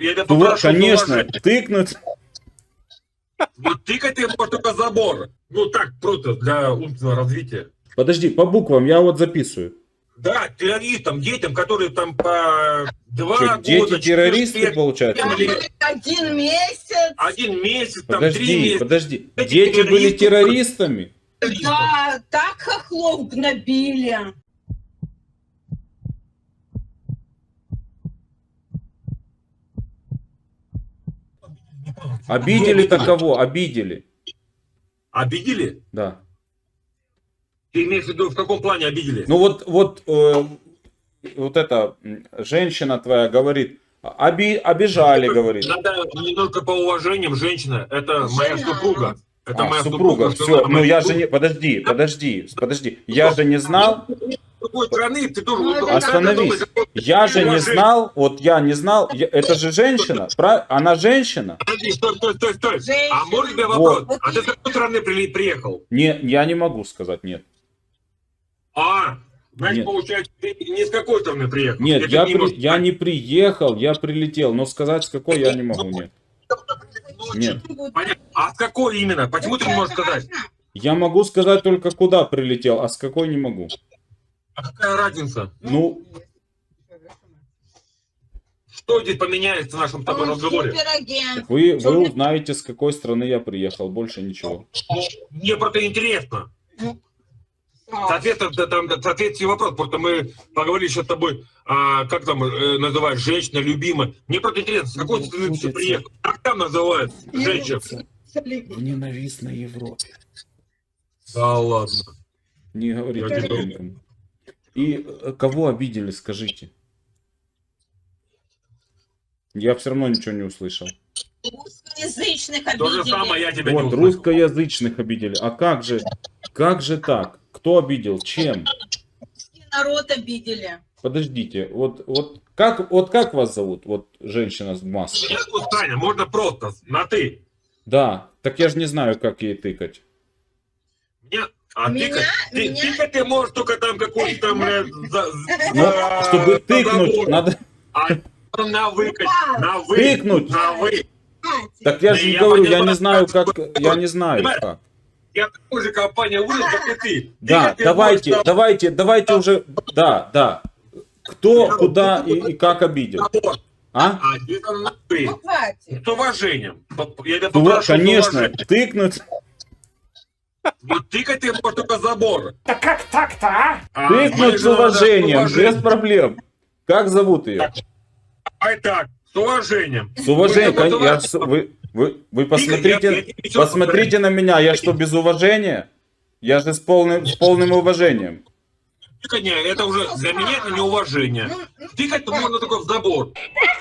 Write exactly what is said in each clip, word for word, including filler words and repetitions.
Я тебя Ну, попрошу конечно, уважать. тыкнуть. Вот тыкать ты можешь только забор. Ну так, просто для умственного развития. Подожди, по буквам, я вот записываю. Да, террористам, детям, которые там по два Что, года, дети террористы, четыре лет, получается? пять лет, Один месяц. один месяц, там три Подожди, месяца. подожди. Эти Дети были террористы- террористами? Да, так хохлов гнобили. Обидели-то кого? Обидели. Обидели? Да. Ты имеешь в виду, в каком плане обидели? Ну вот, вот, э, вот эта м, женщина твоя говорит, оби, обижали, говорит. Надо не только по уважением, женщина, это моя Жена. супруга. Это А, моя супруга, супруга. все, жена ну моей я же супруги. не, подожди, подожди, подожди, я же не знал, С другой стороны, ты тоже... Ну, вот- это остановись, вот- я же не уважение. знал, вот я не знал, я- это же женщина, прав- она женщина? Подожди, стой, стой, стой, стой. Женщина. А может тебе вопрос? Вот. А ты с какой стороны при- приехал? Не, я не могу сказать, нет. А, значит, Нет. получается, ты не с какой стороны приехал? Нет, Это я, не при- может я быть. не приехал, я прилетел, но сказать с какой я не могу, нет. Нет. Понятно. А с какой именно? Почему ты не можешь сказать? Я могу сказать только куда прилетел, а с какой не могу. А какая разница? Ну, Что здесь поменяется в нашем с тобой Он разговоре? суперагент. вы, вы узнаете, с какой страны я приехал, больше ничего. Мне просто интересно. Саш, Соответственно, да, там, да, соответствующий вопрос, просто мы поговорили еще с тобой, а, как там э, называют, женщина, любимая. Мне просто интересно, с какой страны ты приехал? Как там называют женщин? В ненавистной Европе. Да ладно. Не говорите Я не об этом. И э, кого обидели, скажите? Я все равно ничего не услышал. Русскоязычных То же обидели. самое я тебя не Вот, услышал. русскоязычных обидели. А как же, как же так? Кто обидел? Чем? Русский народ обидели. Подождите, вот, вот, как, вот как вас зовут? Вот женщина с маской. Меня зовут Таня, можно просто, на ты. Да, так я же не знаю, как ей тыкать. Меня, а Меня- тыкать, ты, меня- тыкать ты можешь только там какой-то там, бля, за, Ну, за- чтобы за тыкнуть, забор. надо... А на выкать, на вы, Тыкнуть. на вы. Так я Да же я говорю, я понимаю, не знаю, как- как, я не знаю, Понимаешь? как. Я такой же компания вырос, как и ты. Да, Тыкать ты давайте, можешь давайте, давайте уже, да, да. Кто, Я- куда и, и как обидел? на забор. А? А ты там на ты. Ну, хватит. С уважением. Я тебя Ну, попрошу с конечно, уважением. тыкнуть. Вот тыкать ты можешь только забор. Да как так-то, а? А моей Тыкнуть с жене надо уважением, с уважением. без проблем. Как зовут ее? Ай так, с уважением. С уважением, Вы- кон- я ж с- вы, вы, вы Я- я посмотрите, тебе всё посмотрите на меня, я что, без уважения? Я же с полным, с полным уважением. Тыканье, это уже для меня это неуважение. Тыкать можно только в забор.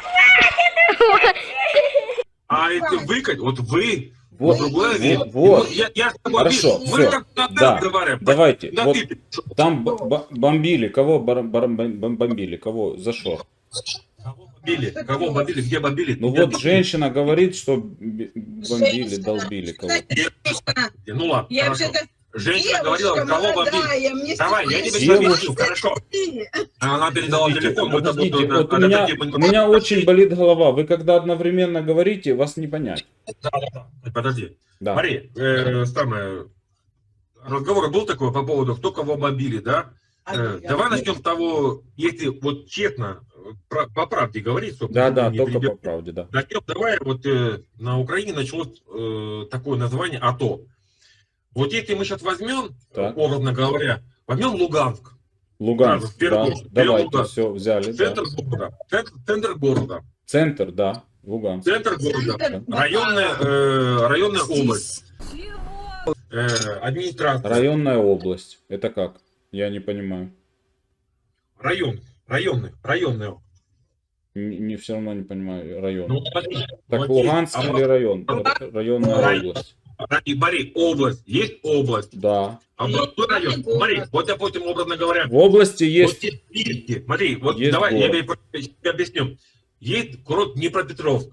А это выкать, вот вы, Вот, другая вещь. вот, вот. Я, я с тобой Хорошо, вижу, мы всё, как на ты да, разговариваем. давайте, На вот ты. там б- б- бомбили, кого бар- бар- бом- бомбили, кого, за что? Кого бомбили? Кого бомбили? Где бомбили? Ну Где вот бомбили? женщина говорит, что б- бомбили, Женщина. долбили кого. Женщина. Ну ладно, Я хорошо. вообще-то Женщина говорила, девушка кого бомбили. молодая, мне Давай, я тебе Девушка. все объясню, хорошо. Она передала Подождите, телефон, мы тобой подождите, на- вот у на меня, такие у меня очень болит голова. Вы когда одновременно говорите, вас не понять. Да, да, да. Подожди. Да. Смотри, э, самое, разговор был такой по поводу, кто кого бомбили, да? Э, давай начнем с того, если вот честно, про- по правде говорить, чтобы Да, никто да, не только перебил. по правде, да. Начнем, давай, вот э, на Украине началось э, такое название АТО. Вот если мы сейчас возьмем, Так. образно говоря, возьмем Луганск, Луганск, Сразу, в первую да, очередь. давайте, Луганск. все, взяли, да. центр города, центр, центр города, Центр, да, Луганск. центр города, Центр, да. районная, э, районная область, э, администрация, Районная область. Это как? Я не понимаю. район, районный, районная. Не, не все равно не понимаю район. Ну, смотри, Так вот Луганск есть или район? Р- Районная Район. область. область, и смотри, область, есть область, Да. областной район. Главный Смотри, город. вот, допустим, образно говоря, В области вот есть. есть списки. Смотри, вот Есть давай я город. тебе тебе объясню. Есть курорт Днепропетровск.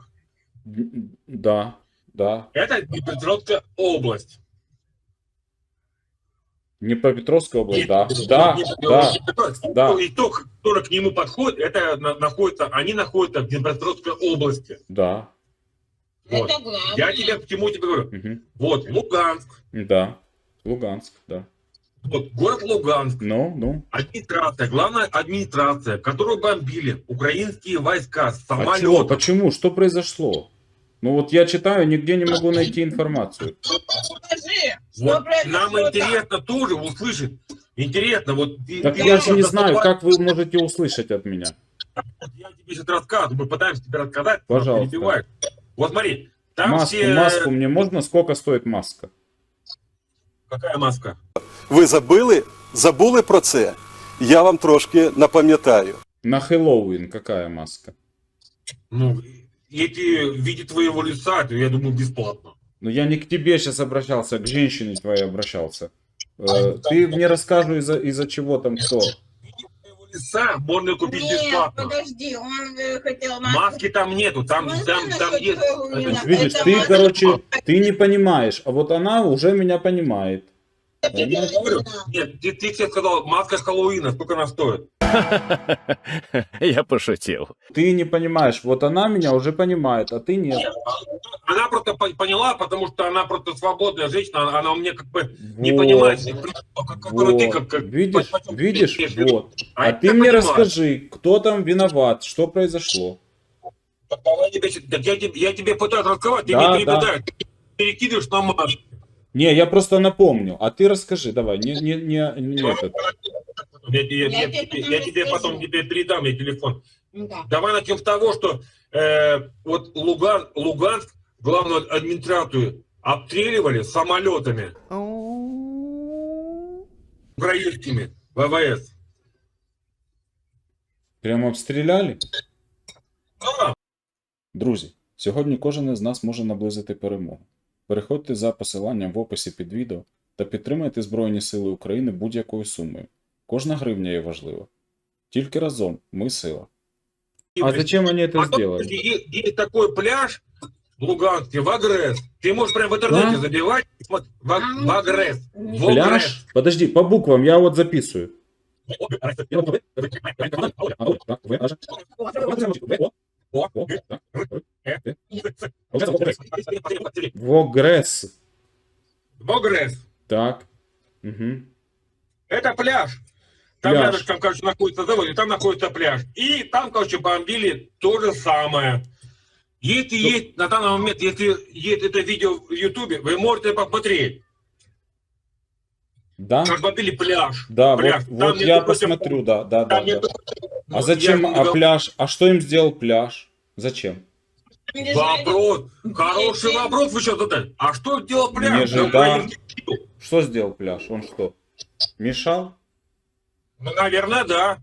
Да, да. Это Днепропетровская область. Днепропетровская область, И- да. и- Да, и- да, и- да. И то, который к нему подходит, это на- находится, они находятся в Днепропетровской области. да. Вот. Это главное. Я тебе, к чему тебе говорю. Мгм. Вот, Луганск. Да. Луганск, да. Вот, город Луганск. Ну, ну. Администрация, главная администрация, которую бомбили украинские войска с А чего? самолетов. Почему? Что произошло? Ну вот я читаю, нигде не могу найти информацию. Скажи, что Вот произошло нам там? интересно тоже услышать. Интересно, вот... ты- Так ты я же не просто знаю, давай- как вы можете услышать от меня. Я тебе сейчас рассказываю, мы пытаемся тебе рассказать, но Пожалуйста. перебиваешь. Вот смотри, там Маску, все... маску мне можно? Сколько стоит маска? Какая маска? Ви забили, забули про це? Я вам трошки напам'ятаю. На Хэллоуин какая маска? Ну, эти в виде твоего лица, то я думаю, бесплатно. Ну я не к тебе сейчас обращался, к женщине твоей обращался. Э, ты мне расскажи, из-за из-за чего там кто. В виде твоего лица можно купить Нет, бесплатно. подожди, он э, хотел маску. Маски там нету, там, Ну, там, знаю там насчет есть... Хэллоуина. это- Видишь, Это ты, маска. короче, ты не понимаешь, а вот она уже меня понимает. Я тебе говорю, нет, ты, ты тебе сказал, маска Хэллоуина, сколько она стоит? Я пошутил. Ты не понимаешь, вот она меня уже понимает, а ты нет. Она просто по- поняла, потому что она просто свободная женщина, она, она у меня как бы не Вот. понимает, как, который ты Вот. как... как Видишь, по- почему видишь, ты имеешь в виду? вот. А я ты мне понимаю. расскажи, кто там виноват, что произошло. Так давай я тебе- так я, тебе, я тебе пытаюсь рассказать, ты Да, мне перепадаешь, ты перекидываешь на маску. Не, я просто напомню, а ты расскажи, давай, не, не, не, не этот. Я, я- Я я- тебе потом я тебе расскажу. потом тебе передам я телефон. Да. Давай начнем с того, что э, вот Луган, Луганск, главную администрацию, обстреливали самолетами украинскими ВВС. Прямо обстріляли? Да. Друзі, сьогодні кожен із нас може наблизити перемогу. Переходьте за посиланням в описі під відео та підтримайте Збройні Сили України будь-якою сумою. Кожна гривня є важлива. Тільки разом ми сила. А зачем вони це Потом зробили? есть, есть такой пляж в Луганске, в Агресс. Ты можешь прямо в интернете Да? забивать, и смотри, в, Аг- в Агресс. В Пляж? Агресс. Подожди, по буквам, я вот записываю. Вогресс. В Агресс. Так. Угу. Это пляж. Там Пляж. рядышком, короче, находится завод, и там находится пляж. И там, короче, бомбили то же самое. Если есть на данный момент, если есть это видео в Ютубе, вы можете посмотреть, Да? как бомбили пляж. Да, Пляж. вот, Там вот нет я против- посмотрю, да, да, да. Там нет- да. Ну, А зачем, я не а говорю. пляж, а что им сделал пляж? Зачем? Вопрос. Хороший вопрос вы сейчас задали. А что делал Не пляж? же, На да. украинских сил? Что сделал пляж? Он что? Мешал? Ну, наверное, да.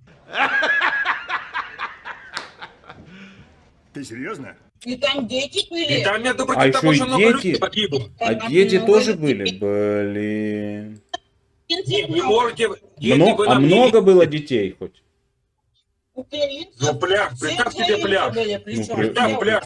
Ты серьезно? И там дети были. И там, между А прочим, еще там и очень много дети? людей погибло. А Там дети много тоже детей. были? Блин. Не, вы можете... если Мно- вы А нам много не- было детей хоть? Украинцы. Ну, пляж, Все представь себе украинцы пляж. были, причем. Ну, при- Представь пляж.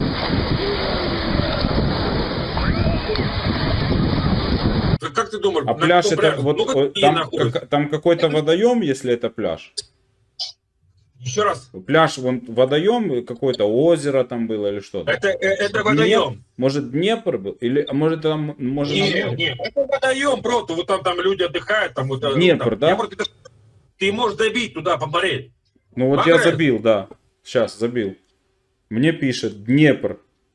Как- Как ты думаешь, А на пляж каком это пляже вот много э, людей там, находится? как- там какой-то водоем, если это пляж? Еще раз. Пляж, вон водоем, какое-то озеро там было или что? Это, э, это водоем. Может Днепр был? Или а может там может на Нет, море? нет, это водоем просто. Вот там, там люди отдыхают. Там, вот, э, Днепр, там. да? Я просто- Ты можешь забить туда, посмотреть. Ну вот я Агресс. забил, да. Сейчас забил. Мне пишет Днепр.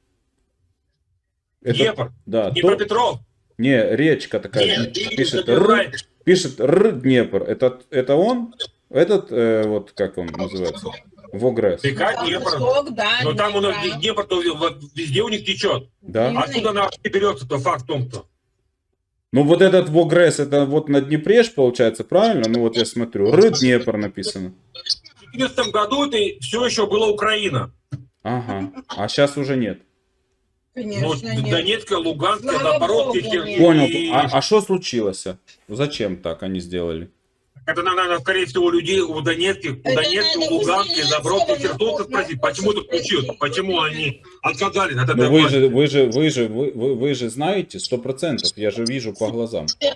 Это- Днепр. Да. то- Днепропетров. Не, речка такая. Нет, ты пишет забираешь. Р. Пишет Р Днепр. Это, это он? Этот, э, вот как он называется? Вогресс. Река Там Днепр. восток, да, Но там у нас Днепра. Днепр, то вот везде у них течет. Да? Мгм. Откуда она вообще берется, то факт в том-то. Ну вот этот Вогресс, это вот на Днепре ж получается, правильно? Ну вот я смотрю. Р Днепр написано. В две тысячи четырнадцатом году это все еще была Украина. Ага. А сейчас уже нет. Ну, Конечно, нет. Донецкая, Луганская, Слава Запорожская. Богу, Хер- нет. Понял. и- А что случилось? Зачем так они сделали? Это надо, надо, скорее всего, у людей, у Донецких, у Это Донецких, надо у у Луганских, Зеленского Запорожских, на Херсонцев кухню спросить, почему это спросить. случилось, почему они отказались от Ну этой вы власти. же, вы же, вы же, вы, вы, вы же знаете сто процентов. Я же вижу по глазам. Что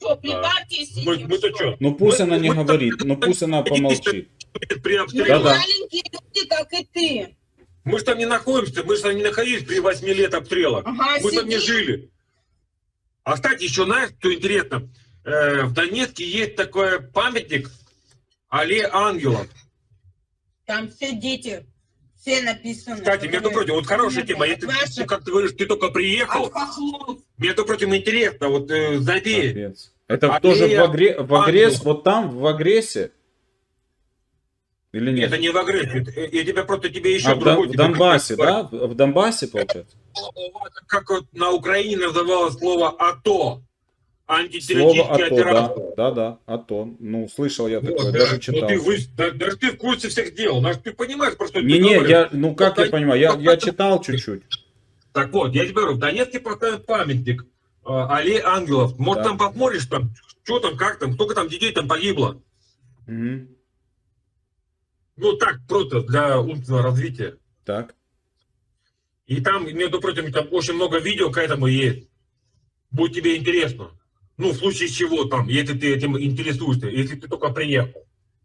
что, прибавьте Мы, мы-то что? Ну пусть Мы- она не мы- говорит, ну пусть она помолчит. При Мы обстреле. Да-да. маленькие люди, как и ты. Мы же там не находимся, мы же там не находились при восьми лет обстрела. Ага, Мы там не сидим. жили. А, кстати, еще знаешь, что интересно? Э, в Донецке есть такой памятник Алле Ангелов. Там все дети, все написано. Кстати, между прочим, вот хорошая тема. Если, Ваши- ну, как ты говоришь, ты только приехал, От хохлов. между прочим, интересно, вот э, забей. Капец. Это А тоже ты- в, агре... в агресс, Ангел. вот там, в агрессе? Или нет? Это не в агрессии. э, Я тебя просто тебе еще А в, Дон- другой в тебе Донбассе, говорю. да? В Донбассе, получается? Как вот на Украине называлось слово АТО. Слово Антитеррористическая АТО, да. операция. Да-да, АТО. Ну, слышал я Вот, такое, да. даже Ну, читал. ты, вы, да, даже ты в курсе всех дел. Даже ты понимаешь, про что ты Не-не, говоришь. я, ну как я Вот, понимаю, я, вот я это- читал чуть-чуть. Так вот, я тебе говорю, в Донецке поставят памятник э, Алле Ангелов. Может, Да. там посмотришь, там, что там, как там, сколько там детей там погибло. Мгм. Ну, так, просто для умственного развития. Так. И там, между прочим, там очень много видео к этому есть. Будет тебе интересно. Ну, в случае чего там, если ты этим интересуешься, если ты только приехал.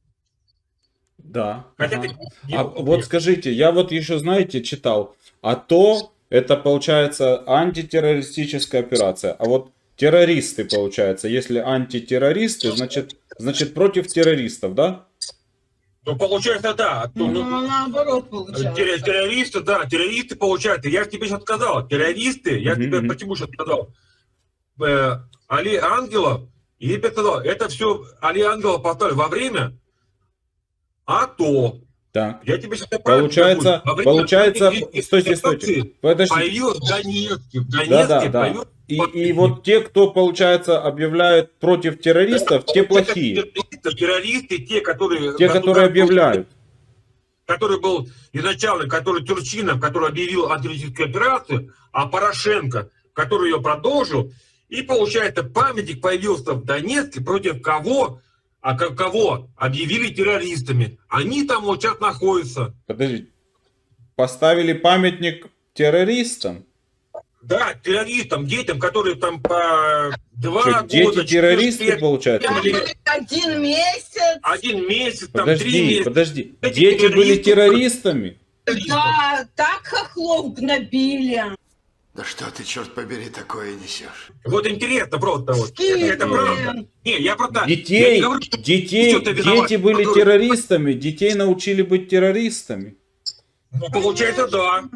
Да. Хотя Ага. ты не А только вот приехал. скажите, я вот еще, знаете, читал, АТО это получается антитеррористическая операция, а вот террористы получается, если антитеррористы, значит, значит против террористов, да? Ну, получается, да. Ну, Ну, ну, наоборот терро- получается. террористы, да, террористы, получается. Я же тебе сейчас сказал, террористы, я Мгм, тебе мгм. почему сейчас сказал. Э, Али Ангелов, и я тебе сказал, это все Али Ангелов поставили во время АТО. Так. Я тебе сейчас Получается, получается, стойте, стойте, подождите. Появилось в Донецке, в Донецке Да, да, да. появилось И, и вот те, кто, получается, объявляют против террористов, те плохие. террористы, террористы, те, которые... Те, которые объявляют. Который был изначально, который Турчинов, который объявил антитеррористическую операцию, а Порошенко, который ее продолжил. И, получается, памятник появился в Донецке против кого? А ко- кого объявили террористами. Они там вот сейчас находятся. Подождите. Поставили памятник террористам? Да, террористам, детям, которые там по два Что, года... дети четыре террористы, лет, получается? Там Или- один месяц. Один месяц, там три Подожди, месяца. подожди. Эти Дети были террористы- террористами? Да, так хохлов гнобили. Да что ты, черт побери, такое несешь? Вот интересно просто вот. Это, Скинь, это правда. блин. Не, я просто... я Детей, не говорю, что детей, что ты виноват, дети были которые- террористами, детей научили быть террористами. Ну, получается, да.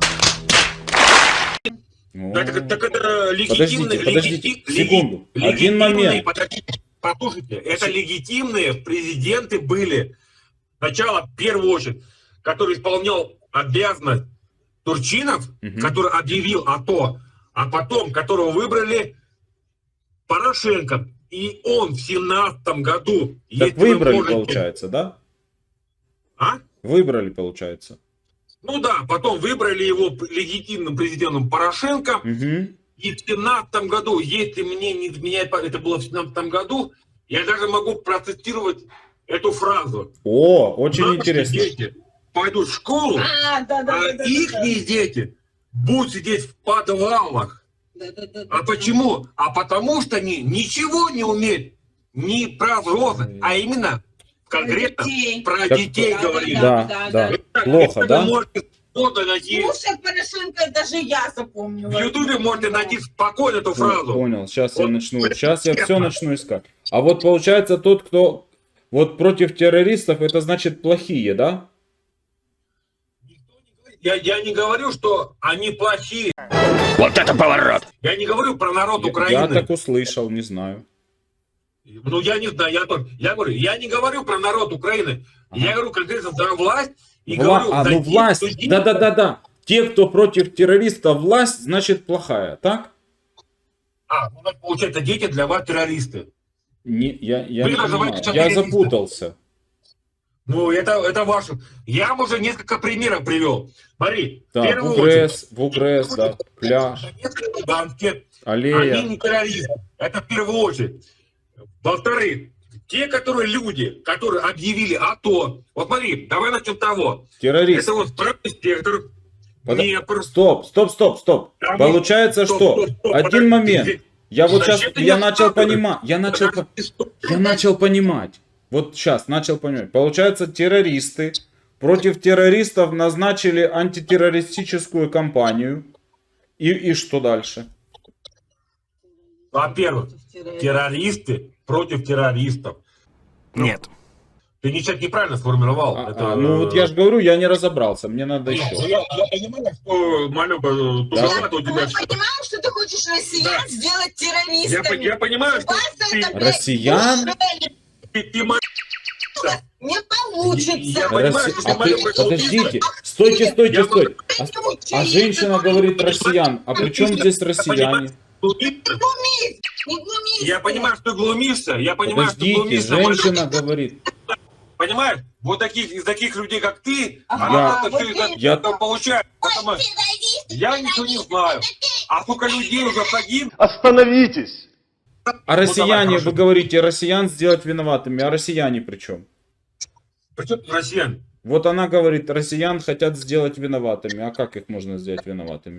О. Так, это- так это легитимные... Подождите, подождите, легити- секунду. леги- Один легитимные- момент. Подождите, послушайте, это легитимные президенты были. Сначала, в первую очередь, который исполнял обязанность Турчинов, Мгм. который объявил АТО, а потом, которого выбрали Порошенко. И он в семнадцатом году... Так если вы выбрали, можете- получается, да? А? Выбрали, получается. Ну да, потом выбрали его легитимным президентом Порошенко. Мгм. И в семнадцатом году, если мне не изменяет память, это было в семнадцатом году, я даже могу процитировать эту фразу. О, очень Наши интересно. дети пойдут в школу, А, да, да, а да, да, их да. дети будут сидеть в подвалах. Да, да, да, А да. почему? А потому что они ничего не умеют ни про взрослых, а именно конкретно детей. про Так- детей Да, говорили. Да, да, да. Это- Плохо, это да? Вы можете спокойно найти, Слушай, Порошенко, даже я запомнила. в Ютубе можете найти спокойно эту фразу. Понял, сейчас я Вот. начну, сейчас я все начну искать. А вот получается тот, кто вот против террористов, это значит плохие, да? Я, я не говорю, что они плохие. Вот это поворот! Я не говорю про народ Я, Украины. я так услышал, не знаю. Ну, я не знаю, я тоже. Я говорю, я не говорю про народ Украины. Я говорю конкретно за власть. И Вла- говорю, А, за ну тех власть, людей, да-да-да-да. Те, кто против террористов, власть, значит плохая, так? А, ну, так получается, дети для вас террористы. Не, я я Вы не называете понимаю. сейчас Я террористов. запутался. Ну, это, это ваше. Я вам уже несколько примеров привел. Смотри, в Так, в первую очередь, УГРС, в УГРС, да, пляж, Донецкой, Луганске, они аллея. не террористы. Это в первую очередь. Во-вторых, те, которые люди, которые объявили АТО. Вот смотри, давай начнем с того. Террорист. Это вот правый сектор. Подо- Днепр. Стоп, стоп, стоп, стоп. Там- Получается, Стоп, что стоп, стоп, один подожди, момент. здесь- Я вот сейчас, Зачем ты я не начал оправдываешь? понимать, я начал, по- Что? я начал понимать. Вот сейчас начал понимать. Получается, террористы против террористов назначили антитеррористическую кампанию. И, и что дальше? Во-первых, террористы против террористов. Нет. Ты ничего неправильно сформировал. А, Это, а, ну вот я же говорю, я не разобрался, мне надо Нет, еще. Я, я понимаю, что, Малюка, туговато у тебя Мы всё. понимаем, что ты хочешь россиян Да. сделать Я, по- террористами. я понимаю, У что вас ты, это, блядь, Россиян? уже ты, ты ма- не Я получится. понимаю, Росси- что ты а ты- Малюка, подождите, стойте, стойте, Я стойте. А, а женщина говорит россиян. А при чем здесь россияне? Глумишь? Не глумись. Я понимаю, что ты глумишься, я понимаю, что ты Подождите, глумишься, Малюка. женщина говорит. Понимаешь? Вот таких, из таких людей, как ты, Ага, она это вот все именно. Я- это получает. Потому- Я ничего не знаю. А сколько людей уже погиб? Остановитесь! А россияне, хорошо. вы говорите, россиян сделать виноватыми, а россияне при чем? Причем тут россиян? Вот она говорит, россиян хотят сделать виноватыми. А как их можно сделать виноватыми?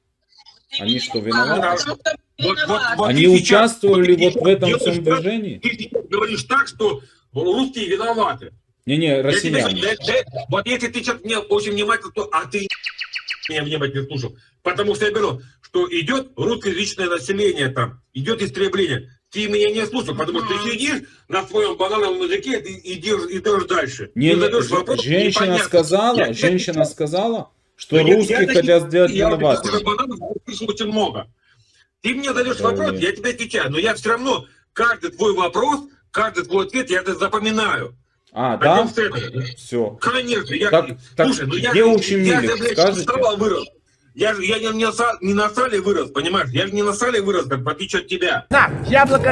Они что, виноваты? Потому что Вот, вот, виноват. вот Они ты сейчас- участвовали ты вот в этом делаешь всем так, движении? Ты сейчас говоришь так, что русские виноваты. Не-не, Я тебе- россияне. да- да- вот если ты сейчас мне очень внимательно, то а ты меня внимательно слушал. Потому что я говорю, что идет русскоязычное население там, идет истребление. Ты меня не слушал, потому что ты сидишь на своем банановом языке и идешь, идешь дальше. Не, Ты не, задаешь ж- вопрос, женщина непонятно. сказала, Я- женщина сказала, что Я- я русские таких- хотят сделать я вот таких виноватыми. бананов слышал очень много. Ты мне задаешь Да вопрос, нет. я тебе отвечаю, но я все равно каждый твой вопрос, каждый твой ответ я это запоминаю. А, да? Начнем с этого. Все. Конечно, я, Так, так слушай, ну я, где я, ущемили, же, блядь, скажете? с сала вырос. Я же я не, не, на са- не на сале вырос, понимаешь? Я же не на сале вырос, как в отличие от тебя. На, яблоко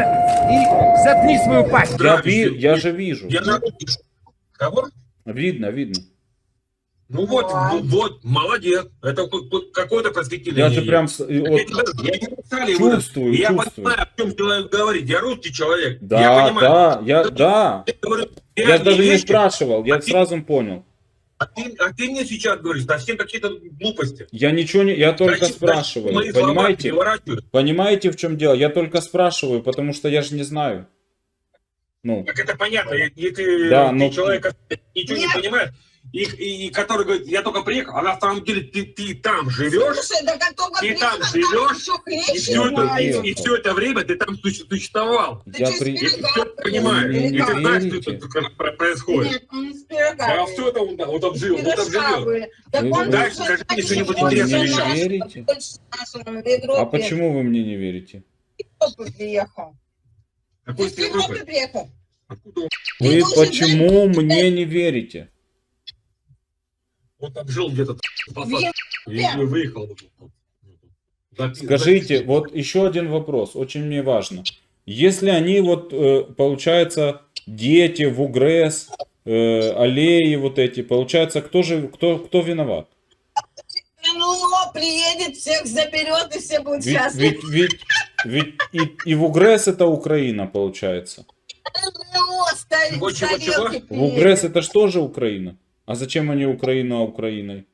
и заткни свою пасть. Я, Да, ви- ты- я же вижу. Я на- Кого? Видно, видно. Ну вот, ну вот, молодец. Это ку- ку- какое-то просветление. Я же есть. прям с- и Я, вот тебе говорю, я не на сале вырос. чувствую, Я чувствую. понимаю, о чем человек говорит. Я русский человек. я Да, понимаю. да, я, да. Я говорю, Я реальные даже не вещи, спрашивал, я А ты- сразу понял. А ты, а ты мне сейчас говоришь совсем какие-то глупости. Я ничего не, я только Зачем- спрашиваю, мои слова понимаете? переворачивают. Понимаете, в чем дело? Я только спрашиваю, потому что я же не знаю. Ну, Так это понятно. Если Да, ты но- человек ничего не Нет. понимает, и, и, и который говорит, я только приехал, а на самом деле ты, ты там живешь, Слушай, да как только Ты там приехал, живешь, еще и хлеще все, это, приехал. и, и все это время ты там суще- существовал. Ты я через при... И ты Пирога все понимаешь, Вы и не ты знаешь, что верите? это как про- происходит. Нет, он из пирога. Да, все это он, он там жил, он там Пирожка живет. были. Так Вы- он вы- Дальше же скажи мне что-нибудь больше интересное нашего, еще. Верите? больше нашего, в Европе. А почему вы мне не верите? В Европу приехал. Ты Какой в ты Европу Европы? приехал. Откуда он? Ты Вы должен почему знать, мне не верите? Он там жил где-то, в и выехал. Запи- Скажите, запись. вот еще один вопрос, очень мне важно. Если они вот, э, получается, дети в УГРЭС, э, аллеи вот эти, получается, кто же, кто, кто виноват? Ну, приедет, всех заберет, и все будут Ведь, счастливы. ведь, ведь, ведь и, и в УГРЭС это Украина, получается. Ну, стали- Чего, чего, тарелки чего? приедет. В УГРЭС это же тоже Украина. А зачем они Украину, а Украиной?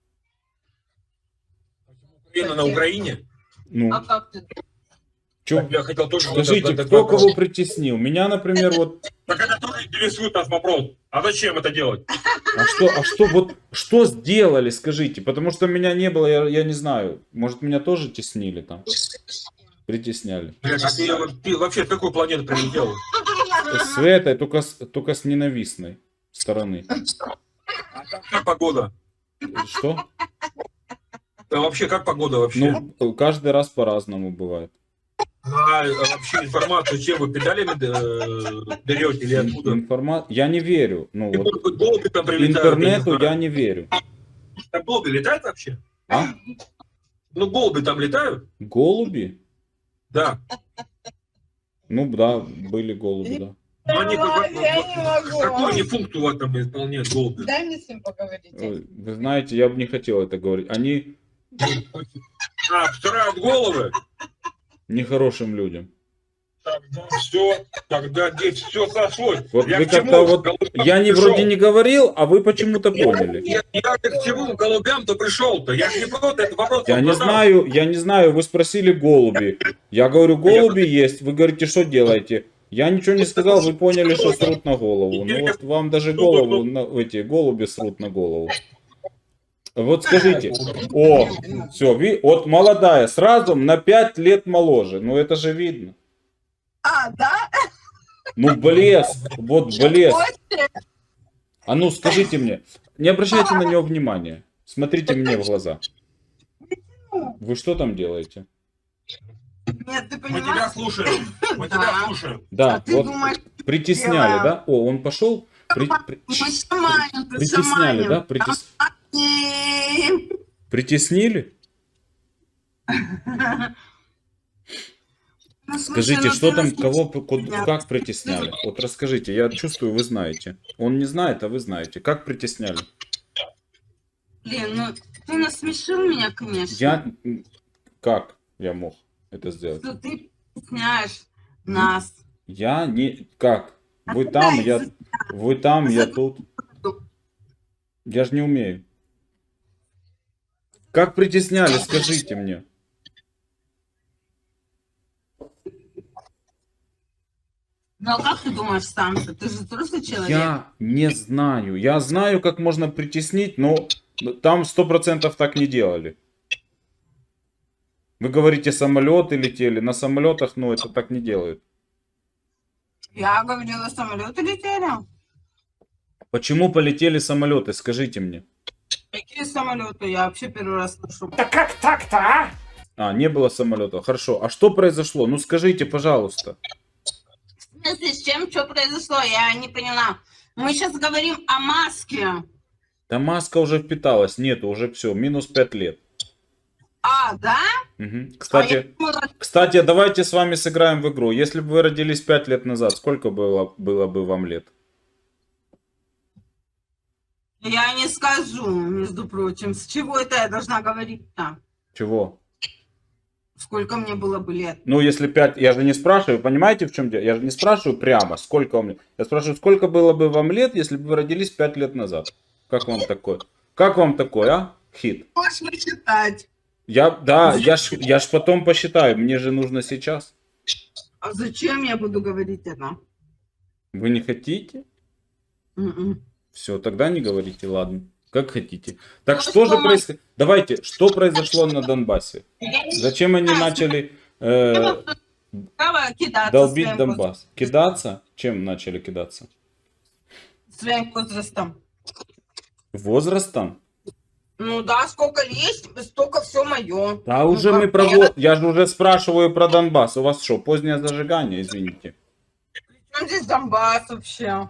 Украина на Украине? Ну, А как ты? чё? Я хотел тоже... Скажите, вот этот кто вопрос. кого притеснил? Меня, например, вот... Так это тоже интересует нас вопрос. А зачем это делать? А что, а что, вот, что сделали, скажите? Потому что меня не было, я, я не знаю. Может, меня тоже теснили там? Притесняли. Блядь, а ты, ты вообще с какой планеты прилетел? С этой, только с, только с ненавистной стороны. А как, как погода? Что? Да вообще, как погода вообще? Ну, каждый раз по-разному бывает. А, а вообще информацию чем вы педалями э, берете или откуда? Информа... Я не верю. Ну, И, вот, может быть, голуби там прилетают, я не интернету я знаю. не верю. Там голуби летают вообще? А? Ну, голуби там летают? Голуби? Да. Ну, да, были голуби, да. Но они, как- Ой, я не могу. какую они функцию у вас там исполняют, голуби? Дай мне с ним поговорить. Ой, вы знаете, я бы не хотел это говорить. Они А, втирают головы? нехорошим людям. Тогда все, тогда здесь все сошлось. Вот Я вы к чему как-то вот... голубям Я не пришел? вроде не говорил, а вы почему-то поняли. Я, я к чему голубям-то пришел-то? Я же не просто этот вопрос Я не задал. знаю, я не знаю, вы спросили голуби. Я говорю, голуби есть. Вы говорите, что делаете? Я ничего не сказал, вы поняли, что срут на голову. Ну вот вам даже голову, на- эти голуби срут на голову. Вот скажите, о, все, ви, вот молодая, сразу на пять лет моложе. Ну это же видно. А, да? Ну блеск, вот блеск. Ой, А ну скажите мне, не обращайте на него внимания. Смотрите мне в глаза. Вы что там делаете? Нет, ты Мы тебя понимаешь? слушаем. Мы тебя Да. слушаем. Да, А ты вот думаешь, притесняли, делаю? да? О, он пошел. При- при- мы шаманим, ты Притесняли, шаманим. да? Притес- Шаманим. Притеснили? Ну, слушай, Скажите, ну что ты там, нас не кого, слушаешь. ку- как притесняли? Вот расскажите, я чувствую, вы знаете. Он не знает, а вы знаете. Как притесняли? Блин, ну ты насмешил меня, конечно. Я... м, Как я мог это сделать? Что ты притесняешь нас. Я не... Как? Вы А там, куда я... из- Вы там, я за- тут. Я же не умею. Как притесняли, скажите мне. Ну а как ты думаешь сам? Ты же взрослый человек. Я не знаю. Я знаю, как можно притеснить, но там сто процентов так не делали. Вы говорите, самолеты летели. На самолетах, ну, это так не делают. Я говорила, самолеты летели. Почему полетели самолеты, скажите мне. Какие самолеты? Я вообще первый раз слышу. Да как так-то, а? А, не было самолетов. Хорошо. А что произошло? Ну, скажите, пожалуйста. В смысле, с чем что произошло? Я не поняла. Мы сейчас говорим о маске. Да маска уже впиталась. Нету, уже все. Минус пять лет. А, да? Мгм. А я Кстати, думала, кстати, давайте с вами сыграем в игру. Если бы вы родились пять лет назад, сколько было, было бы вам лет? я не скажу, между прочим. С чего это я должна говорить-то? Чего? Сколько мне было бы лет? Ну, если пять, я же не спрашиваю, понимаете, в чем дело? Я же не спрашиваю прямо, сколько вам лет. Я спрашиваю, сколько было бы вам лет, если бы вы родились пять лет назад. Как вам такое? Как вам такое, а? Хит. Можешь посчитать. Я, да, я ж, я ж потом посчитаю, мне же нужно сейчас. А зачем я буду говорить это? Вы не хотите? М-м. Все, тогда не говорите, ладно. Как хотите. Так Ну, что что же мы- происходит? Давайте, что произошло на Донбассе? Я не Зачем они начали э, права кидаться долбить своим Донбасс? Кидаться? Чем начали кидаться? воз- своим возрастом. Возрастом? Ну да, сколько есть, столько все мое. Да уже мы про... во- Я же уже спрашиваю про Донбасс. У вас что, позднее зажигание, извините? Причем здесь Донбасс вообще?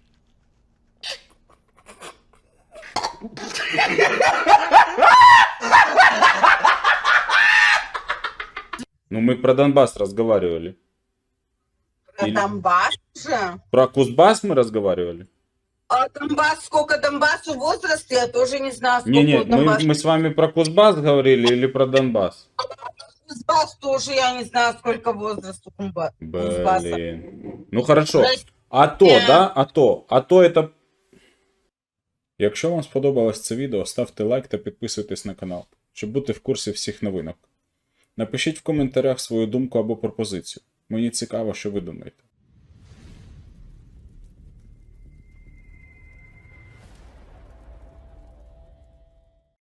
Ну мы про Донбасс разговаривали. Про Или- Донбасс же? Про Кузбасс мы разговаривали? А Донбасс, сколько Донбассу возраст, я тоже не знаю, сколько Не-не, мы, Донбасс. мы с вами про Кузбасс говорили или про Донбасс? Кузбасс тоже, я не знаю, сколько возрасту Кузба- Кузбасса. Блін. Ну хорошо. Прости. АТО, да? АТО. АТО это... Якщо вам сподобалось це відео, ставте лайк та підписуйтесь на канал, щоб бути в курсі всіх новинок. Напишіть в коментарях свою думку або пропозицію. Мені цікаво, що ви думаєте.